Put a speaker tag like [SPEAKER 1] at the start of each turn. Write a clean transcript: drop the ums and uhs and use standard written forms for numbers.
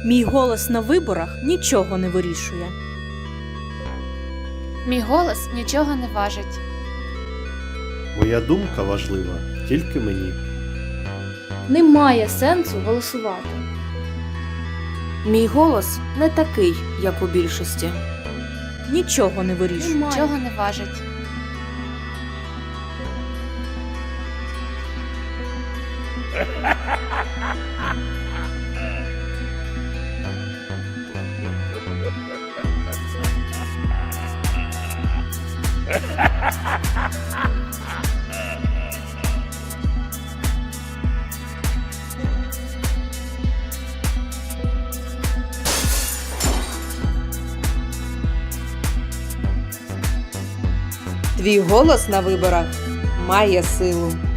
[SPEAKER 1] Мій голос на виборах нічого не вирішує.
[SPEAKER 2] Мій голос нічого не важить.
[SPEAKER 3] Моя думка важлива тільки мені.
[SPEAKER 4] Немає сенсу голосувати.
[SPEAKER 5] Мій голос не такий, як у більшості.
[SPEAKER 1] Нічого не вирішує.
[SPEAKER 2] Нічого не важить.
[SPEAKER 6] Твій голос на виборах має силу.